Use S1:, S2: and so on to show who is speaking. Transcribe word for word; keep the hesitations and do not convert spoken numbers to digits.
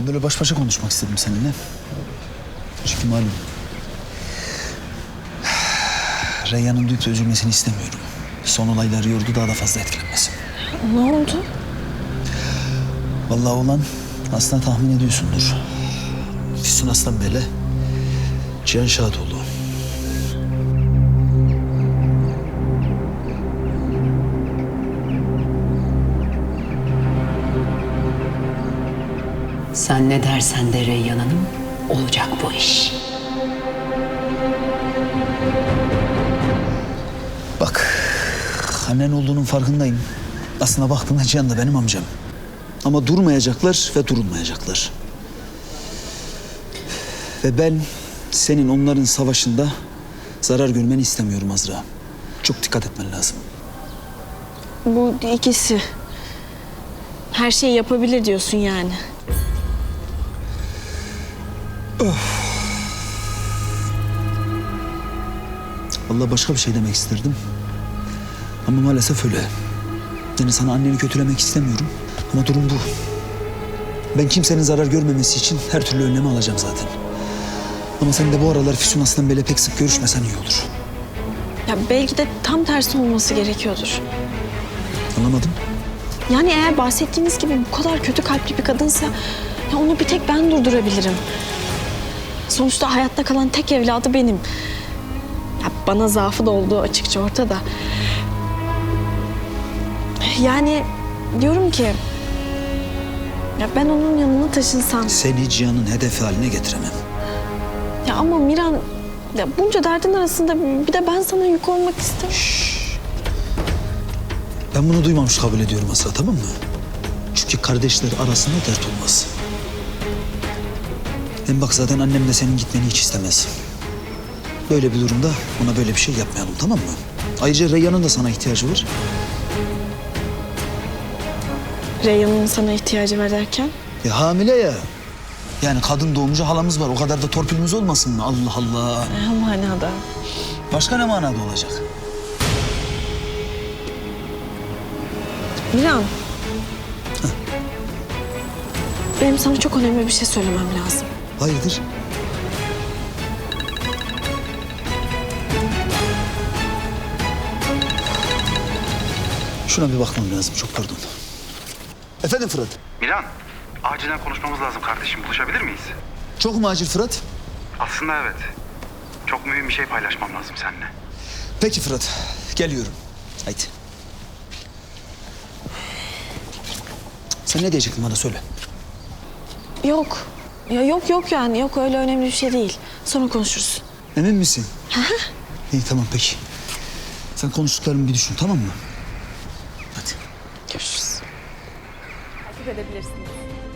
S1: Ben böyle baş başa konuşmak istedim seninle. Çünkü malum Reyhan'ın duyup da üzülmesini istemiyorum. Son olaylar yordu, daha da fazla etkilenmesin.
S2: Ne oldu?
S1: Vallahi olan aslında tahmin ediyorsundur. Füsun Aslanbey'le Cihan Şahatoğlu.
S3: Sen ne dersen de Reyhan Hanım, olacak bu iş.
S1: Bak, annen olduğunun farkındayım. Aslına baktığında Cihan da benim amcam. Ama durmayacaklar ve durulmayacaklar. Ve ben senin onların savaşında zarar görmeni istemiyorum Azra. Çok dikkat etmen lazım.
S2: Bu ikisi. Her şeyi yapabilir diyorsun yani.
S1: Vallahi başka bir şey demek isterdim. Ama maalesef öyle. Yani sana anneni kötülemek istemiyorum. Ama durum bu. Ben kimsenin zarar görmemesi için her türlü önlemi alacağım zaten. Ama sen de bu aralar Füsun Aslanbey'le pek sık görüşmesen iyi olur.
S2: Ya belki de tam tersi olması gerekiyordur.
S1: Anlamadım.
S2: Yani eğer bahsettiğiniz gibi bu kadar kötü kalpli bir kadınsa ya onu bir tek ben durdurabilirim. Sonuçta hayatta kalan tek evladı benim. Ya bana zaafı da olduğu açıkça ortada. Yani diyorum ki ya ben onun yanına taşınsam.
S1: Seni Cihan'ın hedefi haline getiremem.
S2: Ya ama Miran ya bunca derdin arasında bir de ben sana yük olmak istemem.
S1: Ben bunu duymamış kabul ediyorum Azra, tamam mı? Çünkü kardeşler arasında dert olmaz. Hem bak zaten annem de senin gitmeni hiç istemez. Böyle bir durumda ona böyle bir şey yapmayalım, tamam mı? Ayrıca Reyhan'ın da sana ihtiyacı var.
S2: Reyhan'ın sana ihtiyacı var derken?
S1: Ya hamile ya. Yani kadın doğumcu halamız var. O kadar da torpilimiz olmasın mı? Allah Allah.
S2: Ne manada?
S1: Başka ne manada olacak?
S2: Miran. Benim sana çok önemli bir şey söylemem lazım.
S1: Hayırdır? Şuna bir bakmam lazım. Çok pardon. Efendim Fırat.
S4: Miran, acilen konuşmamız lazım kardeşim. Buluşabilir miyiz?
S1: Çok mu acil Fırat?
S4: Aslında evet. Çok mühim bir şey paylaşmam lazım seninle.
S1: Peki Fırat. Geliyorum. Haydi. Sen ne diyecektin bana söyle.
S2: Yok. Ya yok yok yani. Yok öyle önemli bir şey değil. Sonra konuşuruz.
S1: Emin misin? İyi tamam peki. Sen konuştuklarımı bir düşün, tamam mı? Hadi.
S2: Görüşürüz.
S5: Takip edebilirsiniz.